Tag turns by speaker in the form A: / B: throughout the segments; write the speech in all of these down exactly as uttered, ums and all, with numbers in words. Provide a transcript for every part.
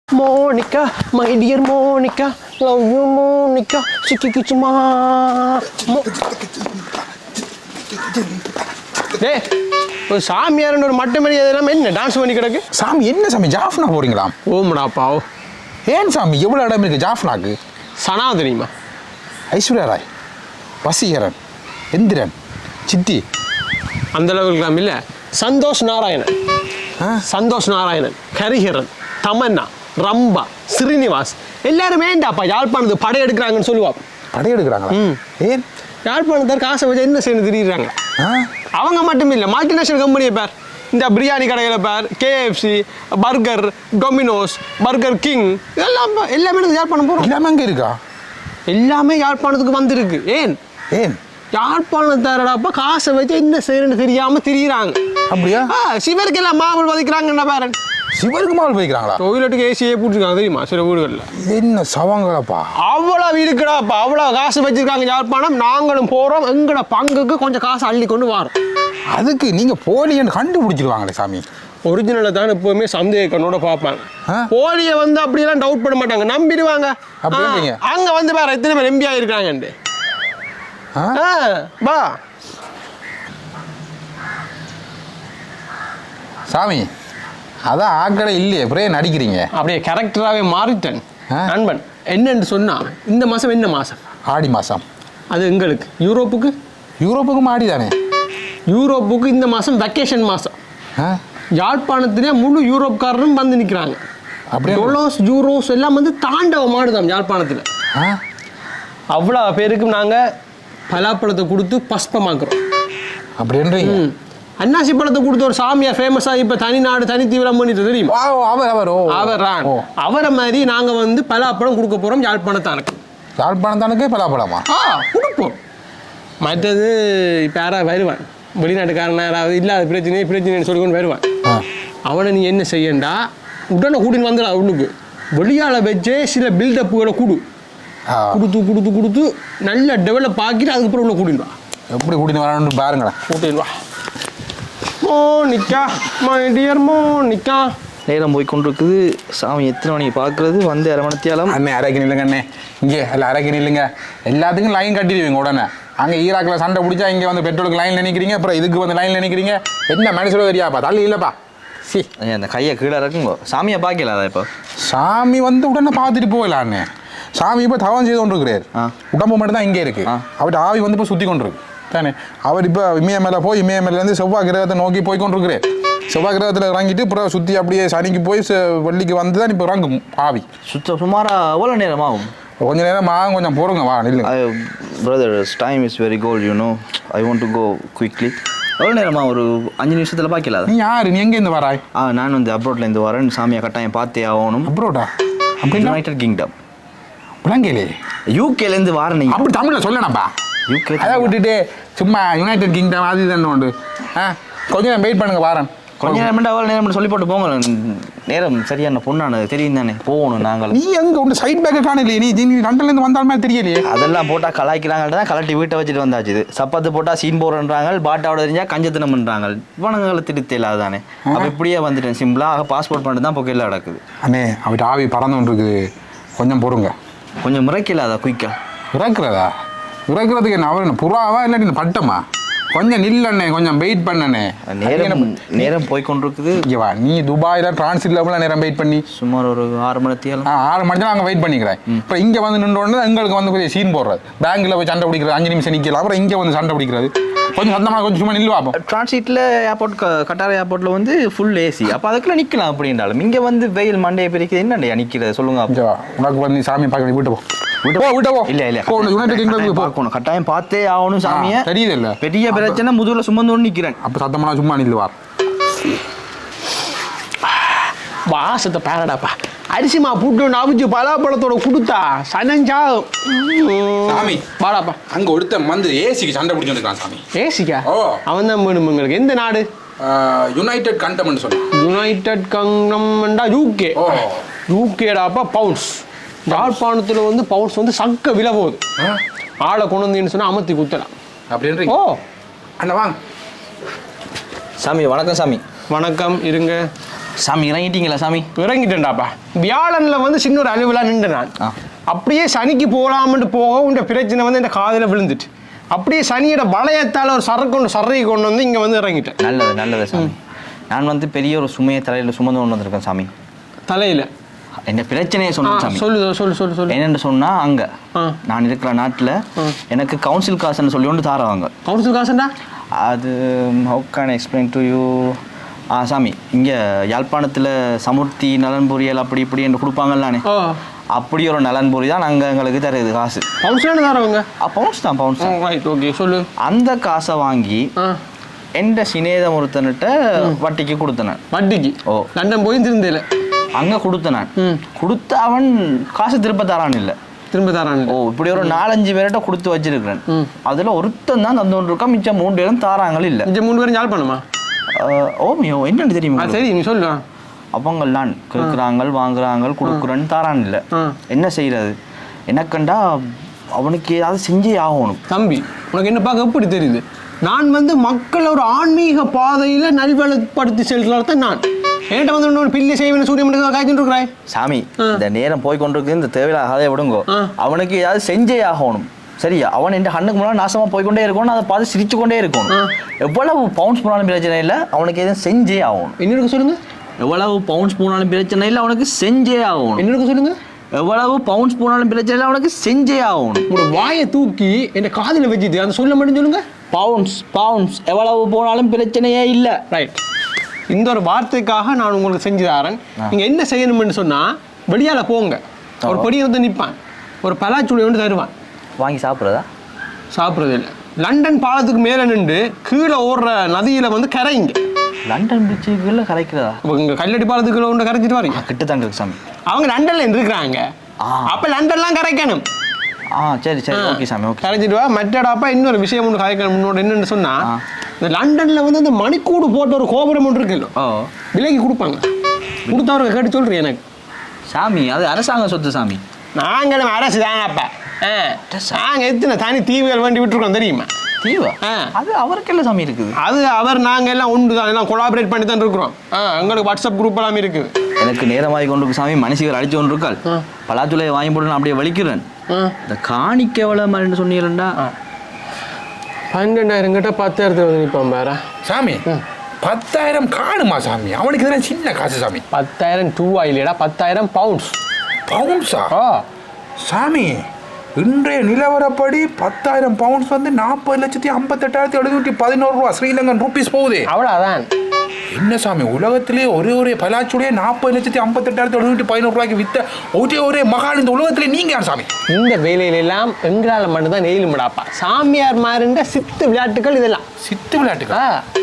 A: Monica, my dear Monica, love you Monica, சிக்கி சும்மா. டேய், ஒரு சாமியார்னு ஒரு மட்டை மாதிரி அதெல்லாம் என்ன டான்ஸ் பண்ணி கிடக்கு?
B: சாமி என்ன சாமி ஜாஃப்னா போறீங்களா?
A: ஓம்டாப்பா.
B: ஏன் சாமி எவ்வளோ இடம் இருக்கு ஜாஃப்னாக்கு?
A: சனா தெரியுமா?
B: ஐஸ்வர்யா ராய், வசீகரன், எந்திரன், சித்தி
A: அந்த அளவுக்கு இல்லை. சந்தோஷ் நாராயணன், சந்தோஷ் நாராயணன், ஹரிஹரன், தமன்னா, ரம்பா, ஸ்ரீனிவாஸ் எல்லாரும் வேண்டாப்பா யாழ்ப்பாணத்துக்கு படையெடுக்கிறாங்கன்னு சொல்லுவா.
B: படையெடுக்கிறாங்களா? ஏன்?
A: யாழ்ப்பாணத்தார் காசை வச்சு என்ன செய்யணும் தெரியுறாங்க. அவங்க மட்டும் இல்லை, மல்டிநேஷனல் கம்பெனியை பேர் இந்த பிரியாணி கடையில் பேர் KFC, burger, Domino's, burger king இதெல்லாம் எல்லாமே யாழ்ப்பாணம் போகிறோம்.
B: எல்லாமே அங்கே இருக்கா?
A: எல்லாமே யாழ்ப்பாணத்துக்கு வந்திருக்கு. ஏன்
B: ஏன்
A: யாழ்ப்பாணத்தாரடாப்பா காசை வச்சு என்ன செய்யணும்னு தெரியாமல் திரியிறாங்க.
B: அப்படியா?
A: சிவருக்கு எல்லாம் மாவல் வதைக்கிறாங்கண்ணா பேரன்.
B: சிவருக்கு மாவல் வைக்கிறாங்களா?
A: டொய்லெட்டுக்கு ஏசியே போட்டுருக்காங்க தெரியுமா சில வீடுகளில்.
B: என்ன சவாங்களாப்பா?
A: அவ்வளோ இருக்குடாப்பா, அவ்வளோ காசு வச்சிருக்காங்க யாழ்ப்பாணம். நாங்களும் போகிறோம், எங்களோட பங்குக்கு கொஞ்சம் காசு அள்ளி கொண்டு வரோம்.
B: அதுக்கு நீங்கள் போலின்னு கண்டுபிடிச்சிருவாங்களே சாமி.
A: ஒரிஜினலை தான் எப்பவுமே சந்தேகனோட பார்ப்பாங்க. போலியை வந்து அப்படியெல்லாம் டவுட் பண்ண மாட்டாங்க, நம்பிடுவாங்க.
B: அப்படிங்க
A: அங்கே வந்து வேற எத்தனை பேர் எம்பி ஆகிருக்காங்கண்டு. பா
B: சாமி, அதான் ஆக்கடை இல்லையே அப்புறம் நடிக்கிறீங்க.
A: அப்படியே கேரக்டராகவே மாறிட்டேன் நண்பன். என்னன்னு சொன்னா இந்த மாதம் என்ன மாதம்?
B: ஆடி மாதம். அது
A: எங்களுக்கு யூரோப்புக்கு
B: யூரோப்புக்கும் ஆடி தானே.
A: யூரோப்புக்கு இந்த மாதம் வெக்கேஷன் மாதம். யாழ்ப்பாணத்திலே முழு யூரோப்காரரும் வந்து நிற்கிறாங்க. அப்படியே டொலோஸ் யூரோஸ் எல்லாம் வந்து தாண்டவம் ஆடுதாம் யாழ்ப்பாணத்தில். அவ்வளோ பேருக்கும் நாங்கள் பலாப்பழத்தை கொடுத்து பஸ்பமாக்குறோம்.
B: அப்படின்றீங்க?
A: அன்னாசி பழத்தை கொடுத்து ஒரு சாமியார் ஃபேமஸாக இப்போ தனி நாடு தனி தீவிரம் பண்ணிட்டு தெரியுமா?
B: அவர் அவர்
A: அவர் அவரை மாதிரி நாங்கள் வந்து பலாப்பழம் கொடுக்க போகிறோம் யாழ்ப்பாணத்தானுக்கு.
B: யாழ்ப்பாணத்தானுக்கு பலாப்பழமா?
A: ஆ கொடுப்போம். மற்றது இப்போ யாராவது வருவான் வெளிநாட்டுக்காரன், யாராவது இல்லாத பிரச்சனை பிரச்சனைன்னு சொல்லி கொண்டு வருவான். அவனை நீ என்ன செய்யண்டா, உடனே கூட்டின்னு வந்துடா உள்ளுக்கு. வெளியால் வச்சே சில பில்டப்புகளை கொடு கொடுத்து கொடுத்து கொடுத்து நல்ல டெவலப் ஆக்கிட்டு அதுக்கப்புறம் உள்ள கூட்டின்னு வா.
B: எப்படி கூட்டின்னு வரணும்னு பாருங்களேன்.
A: கூட்டின்னு வா. Monica, my dear Monica.
C: நேரம் போய் கொண்டிருக்குது. சாமி எத்தனை மணிக்கு பார்க்குறது? வந்து அரை மணித்தியாலம்.
B: அண்ணே அரைக்கு நில்லுங்க அண்ணே. இங்கே இல்லை அரைக்கு நில்லுங்க. எல்லாத்துக்கும் லைன் கட்டிடுவீங்க உடனே. அங்கே ஈராக்கில் சண்டை பிடிச்சா இங்கே வந்து பெட்ரோலுக்கு லைனில் நினைக்கிறீங்க, அப்புறம் இதுக்கு வந்து லைனில் நினைக்கிறீங்க. என்ன மனுஷனோ தெரியாப்பா, தள்ளி இல்லைப்பா. சி
C: அந்த கையை கீழே இருக்குங்கோ. சாமியை பார்க்கல அதை இப்போ.
B: சாமி வந்து உடனே பார்த்துட்டு போகலான்னு. சாமி இப்போ தவம் செய்து கொண்டு இருக்கிறார். உடம்பு மட்டும் தான் இங்கே இருக்குது. அவர்கிட்ட ஆவி வந்து இப்போ சுற்றி கொண்டு இருக்கு தானே. அவர் இப்போ இமய மேலே போய் இமய மேலேருந்து செவ்வாய் கிரகத்தை நோக்கி போய் கொண்டு இருக்கிறார். செவ்வாய் கிரகத்தில் இறங்கிட்டு அப்புறம் சுற்றி அப்படியே சனிக்கு போய் வெள்ளிக்கு வந்து தான் இப்போ இறங்கும் ஆவி.
C: சுத்த சுமாராக எவ்வளோ நேரம் ஆகும்?
B: கொஞ்சம் நேரம் ஆகும், கொஞ்சம் போடுங்க வா நில்லுங்க.
C: Brother time is very gold you know. I want to go quickly. எவ்வளோ நேரமா? ஒரு அஞ்சு நிமிஷத்தில் பார்க்கல.
B: நீ யார்? நீ எங்கேருந்து வராய்?
C: ஆ நான் வந்து அப்ரோட்லேருந்து வரேன். சாமியை கட்டாயம் பார்த்தே ஆகணும்.
B: அப்ரோடா? அப்படி
C: யுனைடெட் கிங்டம்.
B: விளங்கலே?
C: யூகேலேருந்து வரேன். நீங்கள் அப்படி
B: தமிழில் சொல்லணப்பா.
C: யூகே
B: அதை விட்டுட்டு சும்மா யுனைடெட் கிங்டம் அது தானே உண்டு. ஆ கொஞ்சம் நேரம் வெயிட் பண்ணுங்க வரேன்.
C: கொஞ்ச நேரம் அவ்வளோ நேரம் சொல்லி போட்டு போங்க. நேரம் சரியான பொண்ணானது தெரியும் தானே. போகணும் நாங்கள்.
B: நீ எங்கே உண்டு சைட் பேக்கை காணலையே? நீ நீ லண்டன்லேருந்து வந்தாலுமே தெரியலையே.
C: அதெல்லாம் போட்டால் கலாய்க்கிறாங்கள்ட்ட தான் கலட்டி வீட்டை வச்சுட்டு வந்தாச்சு. இது சப்பாத்து போட்டால் சீன் போடுறாங்க, பாட்டாவோட தெரிஞ்சால் கஞ்சத்தனம் பண்ணுறாங்க. இவனுங்களை திருத்த இல்லாத தானே. அப்போ இப்படியே வந்துட்டேன் சிம்பிளாக. பாஸ்போர்ட் பண்ணிட்டு தான் பொக்கையில் நடக்குது.
B: அண்ணே அவட்ட ஆவி பறந்து ஒன்று இருக்குது, கொஞ்சம் பொறுங்க.
C: கொஞ்சம் முறைக்கலாதா குயிக்கா?
B: இறக்குறதா? இறக்குறதுக்கு என்ன அவர் புறாவா இல்லாட்டி பட்டமா? கொஞ்சம் நில்லண்ணே, கொஞ்சம் வெயிட் பண்ணண்ணே.
C: நேரம் நேரம் போய் கொண்டிருக்குது.
B: ஓகேவா? நீ துபாயில் டிரான்சிட் லெவலில் நேரம் வெயிட் பண்ணி
C: சுமார் ஒரு ஆறு மணி தேவை.
B: ஆ ஆறு மணி தான் அங்கே வெயிட் பண்ணிக்கிறேன். இப்போ இங்கே வந்து நின்றோடனே எங்களுக்கு வந்து கொஞ்சம் சீன் போடுறது. பேங்கில் போய் சண்டை பிடிக்கிறது, அஞ்சு நிமிஷம் நிற்கலாம். அப்புறம் இங்கே வந்து சண்டை பிடிக்கிறது. கொஞ்சம் சத்தமாக கொஞ்சம் சும்மா நில்லுவா. அப்போ
C: டிரான்சிட்டில் ஏர்போர்ட் கட்டார் ஏர்போர்ட்டில் வந்து ஃபுல் ஏசி. அப்போ அதுக்குள்ள நிற்கலாம் அப்படின்றாலும் இங்கே வந்து வெயில் மண்டையை பிரிக்கிறது என்னண்டையா நிற்கிறது சொல்லுங்க.
B: ஓகேவா? உனக்கு வந்து சாமி பார்க்க வீட்டு போ. விட்டு போ விட்டு போ.
C: இல்லை இல்லை
B: யுனைடெட் கிங்டம்
C: பார்க்கணும். கட்டாயம் பார்த்தே ஆகணும் சாமியை.
B: தெரியுது இல்லை?
C: பெரிய பிரச்சனை முதுகில் சுமந்து ஒன்று நிற்கிறேன்.
B: அப்போ சத்தமாக சும்மா நில்லுவார்.
A: வாசத்தை பேரடாப்பா. அரிசிமா புட்டு அவிச்சு பலாப்பழத்தோட கொடுத்தா சனஞ்சா
B: சாமி
A: வாடாப்பா.
B: அங்கே ஒருத்தன் வந்து ஏசிக்கு சண்டை பிடிச்சிருக்கான் சாமி.
A: ஏசிக்கா?
B: ஓ
A: அவன் தான் வேணும் உங்களுக்கு. எந்த நாடு?
B: யுனைடெட் கண்டம் சொல்லு.
A: யுனைடெட் கங்டம்டா யூகே.
B: ஓ
A: யூகேடாப்பா பவுன்ஸ். யாழ்ப்பாணத்தில் வந்து பவுன்ஸ் வந்து சக்க விலை போகுது. ஆளை கொண்டு வந்தீங்கன்னு சொன்னால் அமர்த்தி குத்தலாம்
B: அப்படின்றீங்க.
A: ஓ
B: அண்ணா வாங்க.
C: சாமி வணக்கம். சாமி
A: வணக்கம். இருங்க.
C: சாமி இறங்கிட்டீங்களா சாமி?
A: இறங்கிட்டேன்டாப்பா. வியாழனில் வந்து சின்ன ஒரு அலுவலாக நின்று நான் அப்படியே சனிக்கு போகலாம்னு போக இந்த பிரச்சனை வந்து இந்த காதில் விழுந்துட்டு அப்படியே சனியோட வளையத்தால் ஒரு சரக்கு கொண்டு சர்றையை கொண்டு வந்து இங்கே வந்து இறங்கிட்டேன்.
C: நல்லது நல்லது சாமி. நான் வந்து பெரிய ஒரு சுமையை தலையில் சுமந்து கொண்டு வந்திருக்கேன் சாமி.
A: தலையில்
C: என்ன பிரச்சனையை சொன்னேன் சாமி.
A: சொல்லு சொல்லு சொல்லு சொல்லு.
C: என்னென்னு சொன்னா அங்க நான் இருக்கிற நாட்டில் எனக்கு கவுன்சில் காசுன்னு சொல்லி ஒன்று தாரவாங்க.
A: கவுன்சில் காசுண்டா?
C: அது how can explain to you? ஆ சாமி, இங்கே யாழ்ப்பாணத்தில் சமுர்த்தி நலன் பொரியல் அப்படி இப்படி என்று கொடுப்பாங்கல்லானே, அப்படி ஒரு நலன் பொரி தான் நாங்கள் எங்களுக்கு தருது காசு.
A: பவுன்ஸ்லாம் தரவங்க?
C: பவுன்ஸ் தான் பவுன்ஸ் தான்.
A: ரைட், ஓகே சொல்லு.
C: அந்த காசை வாங்கி எந்த சினேதம் ஒருத்தன்கிட்ட வட்டிக்கு கொடுத்தேன். வட்டிக்கு? ஓ. லண்டன் போய் திருந்தல அங்கே கொடுத்தேன் நான். கொடுத்து அவன் காசு திரும்ப தரான் இல்லை. திரும்ப தரான்? ஓ. இப்படி ஒரு நாலஞ்சு பேர்கிட்ட கொடுத்து வச்சிருக்கிறேன். அதில் ஒருத்தன் தான் தந்தோன்னு இருக்கா, மிச்சம் மூணு பேரும் தாராங்களும் இல்லை. மிச்சம் மூணு பேரும் யாழ் பண்ணுமா? ஓமியோ என்னன்னு தெரியுமா? சரி நீ சொல்லு. அவங்களாம் கேட்குறாங்க, வாங்குறாங்க, கொடுக்குறேன்னு தாரான் இல்லை. என்ன செய்யறது? எனக்கண்டா அவனுக்கு ஏதாவது செஞ்சே ஆகணும். தம்பி உனக்கு என்ன பார்க்க எப்படி தெரியுது? நான் வந்து மக்களை ஒரு ஆன்மீக பாதையில் நல்வளப்படுத்தி செல்கிறால்தான் நான் என்கிட்ட வந்து இன்னொரு பில்லி செய்வேன் சூரியன் காய்ச்சிட்டு இருக்கிறாய். சாமி இந்த நேரம் போய் கொண்டிருக்கு, இந்த தேவையில்ல அதை விடுங்கோ. அவனுக்கு ஏதாவது செஞ்சே ஆகணும். சரியா? அவன் என் கண்ணுக்கு முன்னாடி நாசமாக போய்கொண்டே இருக்கணும், அதை பார்த்து சிரிச்சு கொண்டே இருக்கணும். எவ்வளவு பவுன்ஸ் போனாலும் பிரச்சனை இல்லை, அவனுக்கு எதுவும் செஞ்சே ஆகணும். என்னருக்கு சொல்லுங்க? எவ்வளவு பவுன்ஸ் போனாலும் பிரச்சனை இல்லை, அவனுக்கு செஞ்சே ஆகணும். என்னருக்கு சொல்லுங்க? எவ்வளவு பவுன்ஸ் போனாலும் பிரச்சனை இல்லை, அவனுக்கு செஞ்சே ஆகணும். உங்களோட வாயை தூக்கி என் காதில் வச்சுட்டு அந்த சொல்ல மட்டும் சொல்லுங்க. பவுன்ஸ் பவுன்ஸ் எவ்வளவு போனாலும் பிரச்சனையே இல்லை. ரைட். இந்த ஒரு வார்த்தைக்காக நான் உங்களுக்கு செஞ்சு தரேன். நீங்கள் என்ன செய்யணும்னு சொன்னால் வெளியால் போங்க, ஒரு பொடியை வந்து நிற்பான், ஒரு பலாச்சுளி வந்து தருவான். வாங்கி சாப்பிட்றதா? சாப்பிட்றது இல்லை. லண்டன் பாலத்துக்கு மேலே நின்று கீழே ஓடுற நதியில் வந்து கரைங்க. லண்டன் பிரிட்ஜுக்குள்ள கரைக்கிறதா? இங்கே கல்லடி பாலத்துக்குள்ள ஒன்று கரைச்சிட்டு வரீங்க. கிட்ட தாங்க இருக்கு சாமி. அவங்க லண்டன்ல இருக்கிறாங்க, அப்போ லண்டன்லாம் கரைக்கணும். ஆ சரி சரி, ஓகே சாமி, ஓகே. கரைச்சிட்டு வா. மற்றடாப்பா இன்னொரு விஷயம் ஒன்று கரைக்கணும். முன்னோட என்னென்னு சொன்னால், இந்த லண்டனில் வந்து அந்த மணிக்கூடு போட்ட ஒரு கோபுரம் ஒன்று இருக்குல்ல, விலைக்கு கொடுப்பாங்க. கொடுத்தவருக்கு கேட்டு சொல்கிறேன் எனக்கு. சாமி அது அரசாங்க சொத்து சாமி. நாங்களும் அரசு தாங்க. அப்போ நாங்கள் எத்தனை தனி தீவுகள் வேண்டி விட்டுருக்கோம் தெரியுமா? தீவா? அது அவருக்கு எல்லாம் சாமி இருக்குது. அது அவர் நாங்கள் எல்லாம் உண்டு தான், எல்லாம் கொலாபரேட் பண்ணி தான் இருக்கிறோம். ஆ எங்களுக்கு வாட்ஸ்அப் குரூப் எல்லாமே இருக்குது. எனக்கு நேரமாகி கொண்டு இருக்கு சாமி. மனுஷிகள் அடிச்சு கொண்டு இருக்காள். பலாச்சுலையை வாங்கி போட்டு நான் அப்படியே வலிக்கிறேன். இந்த காணிக்க எவ்வளோ மாதிரி சொன்னீங்களா? பன்னெண்டாயிரம் கிட்ட பத்தாயிரத்துல வந்து நிற்பான் பாரா சாமி. பத்தாயிரம் காணுமா சாமி? அவனுக்கு இதெல்லாம் சின்ன காசு சாமி. பத்தாயிரம் டூ ஆயிலேடா, பத்தாயிரம் பவுண்ட்ஸ். பவுண்ட்ஸா? சாமி இன்றைய நிலவரப்படி பத்தாயிரம் பவுண்ட்ஸ் வந்து நாற்பது லட்சத்தி ஐம்பத்தெட்டாயிரத்தி எழுநூற்றி பதினோரு ரூபா ஸ்ரீலங்கன் ரூபீஸ் போகுது. அவ்வளோதான். என்ன சாமி, உலகத்திலே ஒரே ஒரே பலாச்சுடைய நாற்பது லட்சத்தி ஐம்பத்தெட்டாயிரத்தி எழுநூற்றி பதினோரு ரூபாய்க்கு வித்த ஒரே ஒரே மகான் இந்த உலகத்திலே நீங்க யார் சாமி? இந்த வேலையில எல்லாம் எங்களால் மட்டும்தான் நெயிலும்டாப்பா. சாமியார் மாறுண்ட சித்து விளையாட்டுகள் இதெல்லாம். சித்து விளையாட்டுக்கா?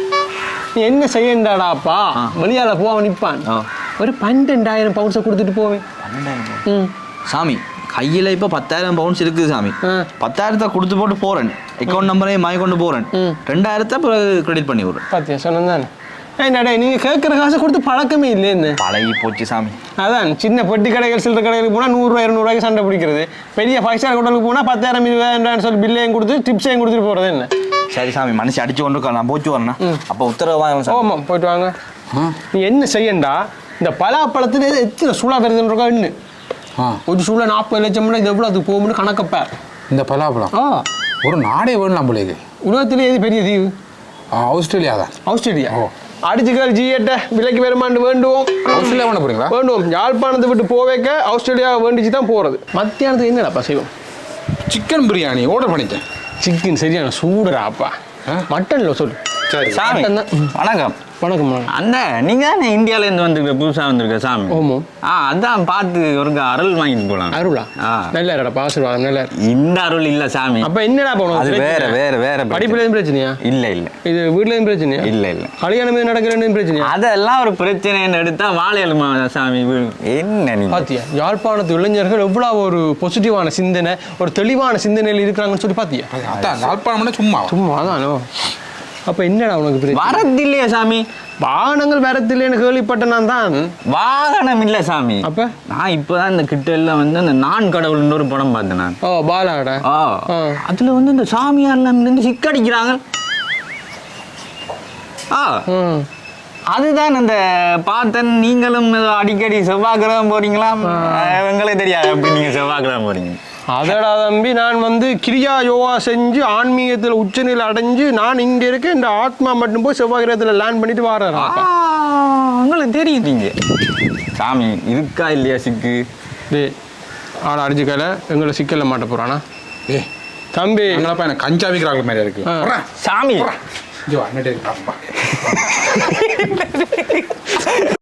C: நீ என்ன செய்யண்டாடாப்பா? வெளியால போவ நிற்பான், ஒரு பன்னெண்டாயிரம் பவுன்ஸை கொடுத்துட்டு போவேன். பன்னெண்டாயிரம் சாமி கையில் இப்போ பத்தாயிரம் பவுன்ஸ் இருக்குது சாமி. பத்தாயிரத்தை கொடுத்து போட்டு போகிறேன், அக்கௌண்ட் நம்பரையும் வாங்கி கொண்டு போகிறேன். ரெண்டாயிரத்தை கிரெடிட் பண்ணி விடுறேன். பார்த்தியா சொன்னேன் தானே. ஏன்னாடா நீங்கள் கேட்குற காசை கொடுத்து பழக்கமே இல்லைன்னு. பழகி போச்சு சாமி. அதான் சின்ன பெட்டி கடைகள் சில்லற கடைகளுக்கு போனால் நூறுரூவா இரநூறுவாய்க்கு சண்டை பிடிக்கிறது. பெரிய ஃபைவ் ஸ்டார் ஹோட்டலுக்கு போனால் பத்தாயிரம் இருபதாயிரம் சொல்லி பில்லையும் கொடுத்து டிப்ஸையும் கொடுத்துட்டு போகிறது என்ன. சரி சாமி, மனுஷன் அடிச்சு கொண்டு இருக்கா, நான் போச்சு வரேன்னா. அப்போ உத்தரவு வாங்க. ஆமாம் போயிட்டு வாங்க. நீ என்ன செய்யண்டா, இந்த பலாப்பழத்தில் எத்தனை சூழா வருதுன்றக்கா இன்னும் ஒரு சூழ நாற்பது லட்சம் இது எவ்வளோ அதுக்கு போகும்னு கணக்கப்பேர். இந்த பலாப்பழம் ஆ ஒரு நாடே வேணும் போலேக்கு. உலகத்திலே எது பெரிய தீவு? ஆஸ்திரேலியா தான். ஆஸ்திரேலியா? ஓ. அடிச்சுக்கால் ஜிஎட்ட விலைக்கு வருமானு வேண்டுவோம். ஆஸ்திரேலியா வேண போறீங்களா? வேண்டுவோம். யாழ்ப்பாணத்தை விட்டு போவேக்க ஆஸ்திரேலியா வேண்டிச்சு தான் போகிறது. மத்தியானத்துக்கு என்னடாப்பா செய்வோம்? சிக்கன் பிரியாணி ஆர்டர் பண்ணிட்டேன். சிக்கன் சரியான சூடுறாப்பா. மட்டனில் சொல்லு. சரி சாமி. வணக்கம். வணக்கம். அந்த நீங்கள் தானே இந்தியாவிலேருந்து வந்துருக்க புதுசாக வந்திருக்க சாமி? ஆமாம். ஆ அதான் பார்த்து ஒரு அருள் வாங்கிட்டு போகலாம். அருளா? ஆ நல்ல இடப்பா, ஆசீர்வாதம் நல்ல. இந்த அருள் இல்லை சாமி. அப்போ என்னடா போகணும்? அது வேற வேற வேற. படிப்புலேயும் பிரச்சனையா? இல்லை இல்லை. இது வீட்லேயும் பிரச்சனையா? இல்லை இல்லை. கல்யாணம் நடக்கிறேன்னு பிரச்சனையா? அதெல்லாம் ஒரு பிரச்சனைன்னு எடுத்தால் வாழையலுமா சாமி? என்ன நீ பார்த்தியா யாழ்ப்பாணத்து இளைஞர்கள் எவ்வளோ ஒரு பாசிட்டிவான சிந்தனை, ஒரு தெளிவான சிந்தனையில் இருக்கிறாங்கன்னு சொல்லி பார்த்தியா? அதான் யாழ்ப்பாணம்னா சும்மா சும்மா தானோ. அப்போ என்னடா உனக்கு வரதில்லையா சாமி? வாகனங்கள் வரதில்லைன்னு கேள்விப்பட்ட நான் தான். வாகனம் இல்லை சாமி. அப்போ நான் இப்போ தான் இந்த கிட்டெல்லாம் வந்து அந்த நான் கடவுள்னு ஒரு படம் பார்த்தேன் நான். ஓ பாலாட. ஓ அதில் வந்து இந்த சாமியார்லாம் இருந்து சிக்கடிக்கிறாங்க. ஆ
D: அதுதான் அந்த பார்த்தன் நீங்களும் அடிக்கடி செவ்வாய் கிரகம் போறீங்களா எங்களுக்கு தெரியாது அப்படி நீங்க செவ்வாய் கிரகம் போறீங்க.
A: அதடா தம்பி, நான் வந்து கிரியா யோகா செஞ்சு ஆன்மீகத்தில் உச்சநிலை அடைஞ்சு நான் இங்கே இருக்கேன். இந்த ஆத்மா மட்டும் போய் செவ்வாய் கிரகத்தில் லேண்ட் பண்ணிட்டு வரேன்.
D: உங்களுக்கு தெரியும் நீங்க சாமி இருக்கா இல்லையா சிக்கு
A: டே ஆளை அடிச்சுக்கல எங்களை சிக்கல மாட்ட போறானா?
B: ஏ
A: தம்பி
B: எங்களப்பா எனக்கு கஞ்சா விற்கிறாங்க மாதிரி இருக்கு
D: சாமி
B: ஜோ அண்ணே